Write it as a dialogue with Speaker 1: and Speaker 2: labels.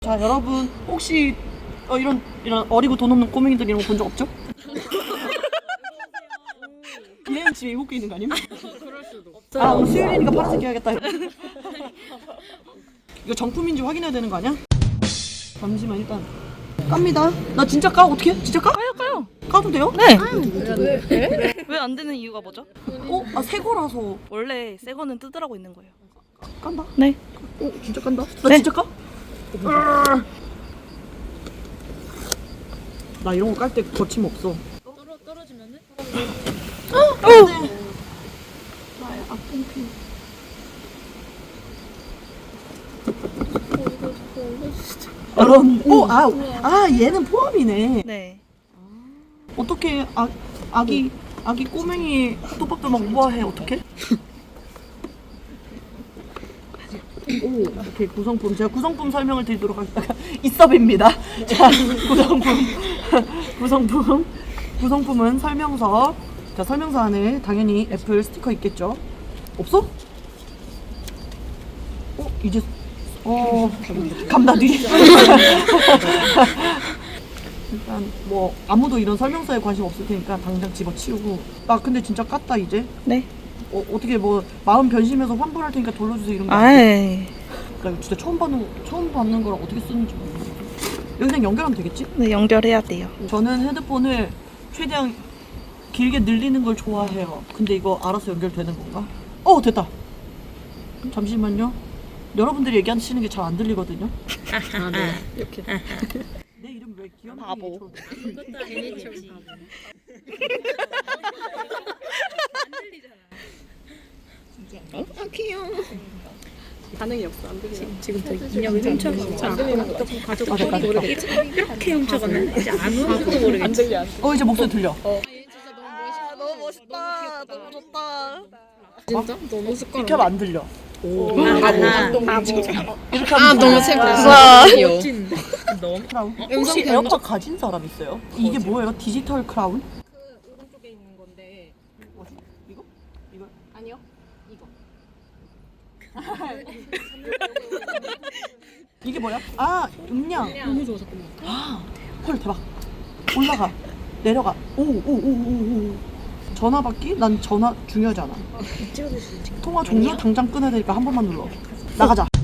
Speaker 1: 자, 여러분 혹시 이런 어리고 돈 없는 꼬맹이들 이런 거 본 적 없죠? 얘는 집에 입고 있는 거 아니야?
Speaker 2: 그럴 수도.
Speaker 1: 아, 오늘 수요일이니까 파란색 해야겠다. 이거 정품인지 확인해야 되는 거 아니야? 잠시만 일단 깝니다. 나 진짜 까? 어떻게? 진짜 까?
Speaker 3: 까요.
Speaker 1: 까도 돼요?
Speaker 3: 네.
Speaker 2: 왜?
Speaker 3: 왜 안 되는 이유가 뭐죠?
Speaker 1: 아, 새 거라서
Speaker 3: 원래 새 거는 뜯으라고 있는 거예요.
Speaker 1: 깐다?
Speaker 3: 네.
Speaker 1: 진짜 깐다? 나
Speaker 3: 네.
Speaker 1: 진짜 까? 나 이런 거 깔 때 거침없어.
Speaker 2: 떨어지면은?
Speaker 1: 나의 아픈 피. 얘는 포함이네.
Speaker 3: 네.
Speaker 1: 어떻게 아기 꼬맹이 또박도 막 우아해 어떻게? 오, 오케이 구성품 제가 구성품 설명을 드리도록 하겠습니다. 이섭입니다. 자, 구성품은 설명서. 자, 설명서 안에 당연히 애플 스티커 있겠죠? 없어? 이제 감나들이. 일단 뭐 아무도 이런 설명서에 관심 없을 테니까 당장 집어치우고. 아 근데 진짜 깠다 이제.
Speaker 3: 네.
Speaker 1: 어떻게 뭐 마음 변심해서 환불할 테니까 돌려주세요 이런 거.
Speaker 3: 아이.
Speaker 1: 나 이거 진짜 처음 받는 거랑 어떻게 쓰는지 모르겠어. 여기 그냥 연결하면 되겠지?
Speaker 3: 네, 연결해야 돼요.
Speaker 1: 저는 헤드폰을 최대한 길게 늘리는 걸 좋아해요. 근데 이거 알아서 연결되는 건가? 됐다. 잠시만요. 여러분들이 얘기하시는 게 잘 안 들리거든요.
Speaker 2: 아, 네. 이렇게.
Speaker 1: 내 이름 왜 귀엽니?
Speaker 3: 바보.
Speaker 2: 괜히 반응이 없어. 안 들려. 지금 저 인형을 훔쳐서 안 들리는 거 같아. 가족 모르겠지. 이렇게 훔쳐갔네. 이제 아무것도 모르겠지. 안 들려.
Speaker 1: 이제 목소리 들려.
Speaker 3: 너무 멋있다. 너무 좋다.
Speaker 2: 진짜? 너무 습관.
Speaker 1: 이렇게 하면 안 들려.
Speaker 2: 바보.
Speaker 1: 이렇게 하면
Speaker 2: 너무
Speaker 3: 우와.
Speaker 2: 귀여워.
Speaker 1: 크라운?
Speaker 2: 음성
Speaker 1: 혹시
Speaker 2: 변조?
Speaker 1: 에어팟 가진 사람 있어요? 이게 뭐예요? 디지털 크라운?
Speaker 2: 그 오른쪽에 있는 건데.
Speaker 1: 뭐지? 이거? 이거?
Speaker 2: 아니요. 이거.
Speaker 1: 이게 뭐야? 음량.
Speaker 2: 너무 좋아 잠깐만.
Speaker 1: 헐 대박. 올라가. 내려가. 오. 전화 받기? 난 전화 중요하지 않아. 통화 종료 당장 끊어야 되니까 한 번만 눌러. 나가자.